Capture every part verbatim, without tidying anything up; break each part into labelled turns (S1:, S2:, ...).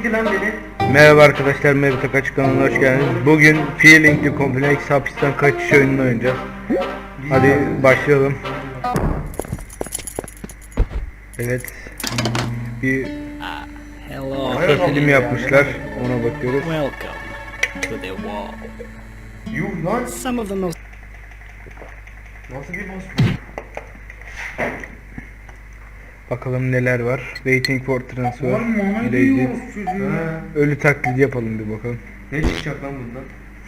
S1: sikti lan beni.
S2: Merhaba arkadaşlar, Mevlüt Kaç kanalına hoş geldiniz. Bugün Feeling the Complex hapisten kaçış oyununu oynayacağız. Hadi başlayalım. Evet. Bir
S3: Hello.
S2: kısa film yapmışlar. Ona bakıyoruz.
S3: Welcome to the wall.
S1: Yuh lan.
S3: Some of the most
S1: Nasıl bir boss bu?
S2: Bakalım neler var. Waiting for transfer.
S1: Oğlum ona
S2: Ready.
S1: diyoruz çocuğu.
S2: Ölü taklidi yapalım bir bakalım.
S1: Ne çıkacak lan bundan?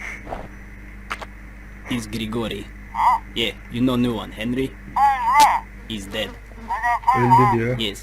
S3: is Grigori. Yeah, you know new one, Henry. He's dead.
S2: Öldü diyor.
S3: Yes.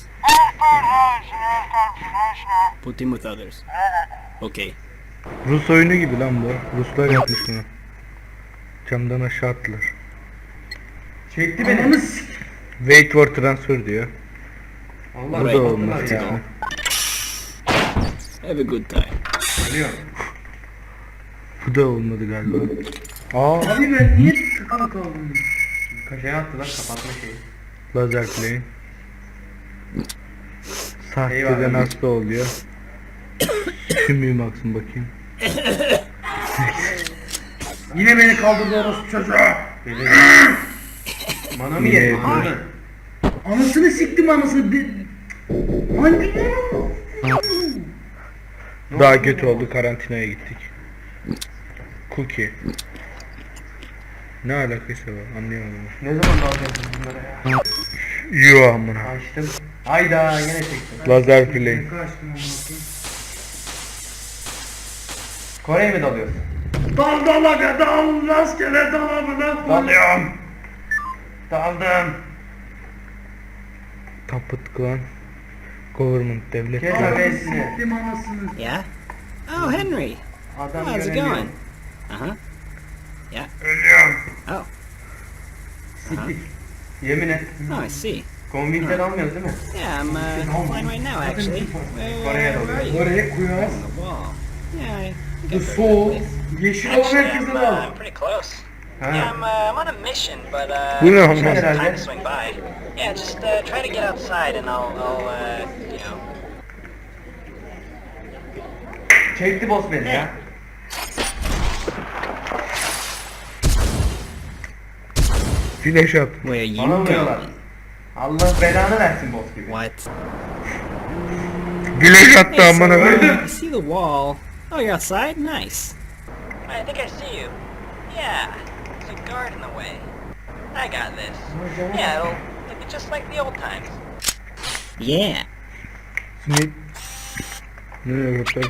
S3: Put him with others. Okay.
S2: Rus oyunu gibi lan bu. Ruslar yapmış bunu. Camdan aşağı attılar.
S1: Çekti beni.
S2: Wait for transfer diyor.
S1: Allah
S2: Bu da
S3: Right.
S2: olmaz
S3: Let's
S2: ya.
S3: go. Have a good time.
S1: Geliyor.
S2: Bu da olmadı galiba. Aa,
S1: Abi ben niye tıkalı kaldım? Kaşaya attılar kapatma şeyi.
S2: lazer plane. Sahteden
S1: Eyvallah.
S2: hasta oluyor. Şimdi baksın bakayım.
S1: Yine beni kaldırdı orası çocuğa. Beni. Bana mı
S2: Yine
S1: yedin?
S2: yapıyor.
S1: Anasını siktim anasını. De... Hangi?
S2: Daha kötü oldu, karantinaya gittik. Cookie. Ne alakası var anlayamadım.
S1: Ne zaman dalacaksınız bunlara ya?
S2: Yo amına.
S1: Açtım. Hayda yine çektim.
S2: Lazer plane.
S1: Kaçtım amına koyayım. Kore'ye mi dalıyorsun? Dal dalaga dal rastgele dalabına. Dalıyorum. Daldım.
S2: Tapıt klan. Government devlet.
S1: Kes
S2: klan.
S1: abesini.
S3: Yeah? Oh, Henry.
S1: Adam
S3: How's it
S1: göremiyor.
S3: going? Uh-huh. Yeah.
S1: Ölüyorum.
S3: Oh.
S1: Siktik. Yemin et.
S3: Oh, I see.
S1: Konvinkten almıyoruz değil mi?
S3: Yeah, I'm uh, fine right now, actually. Where,
S1: Kore'ye
S3: where are
S1: dalıyoruz.
S3: you?
S1: Oraya koyuyoruz.
S3: On the wall. Yeah, I I
S1: Bu
S3: got very
S1: soğuk.
S3: good place.
S1: Yeşil olan
S3: Actually,
S1: herkese
S3: I'm, uh,
S1: dal.
S3: I'm pretty close.
S1: Ha.
S3: Yeah, I'm, uh, I'm on a mission, but uh,
S2: Bu ne
S3: just
S2: oğlum?
S3: have some time
S1: Herhalde.
S3: to swing by. Yeah, just uh, try to get outside, and I'll, I'll, uh, you know.
S1: Çekti boss beni ya.
S2: Flash at.
S3: Where you
S1: Bana vuruyorlar.
S3: going?
S1: Allah belanı versin boss gibi.
S3: What?
S2: Flash attı
S3: Hey, so,
S2: amına.
S3: uh, I see the wall. Oh, you're outside? Nice. I think I see you. Yeah, there's a guard in the way. I got this. Yeah, it'll, it'll be just like the old times. Yeah.
S2: Smith. Ne yapıyor?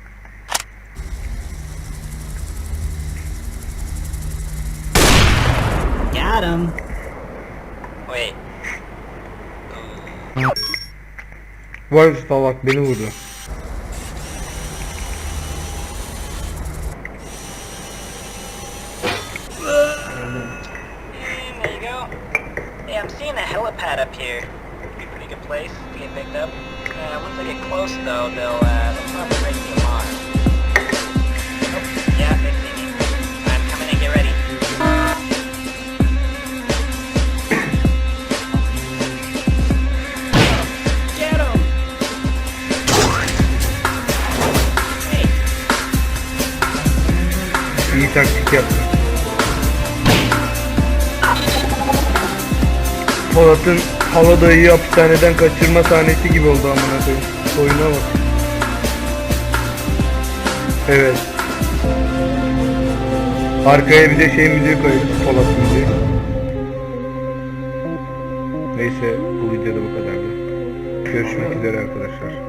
S3: Got him. Wait.
S2: Vay salak beni vurdu.
S3: And there you go. Hey, I'm seeing a helipad up here. Could be a pretty good place to get picked up. Uh, once I get close, though, they'll, uh, they'll probably raise the alarm. Oh, yeah, they see me. I'm coming in, get ready. Get him! Hey,
S2: İyi taktik yaptı. Polat'ın Haladayı'yı hapishaneden kaçırma sahnesi gibi oldu amına koyayım. Oyuna bak. Evet. Arkaya bir de şey müziği koyuyoruz. Polat müziği. Neyse bu videoda bu kadardı. Görüşmek üzere arkadaşlar.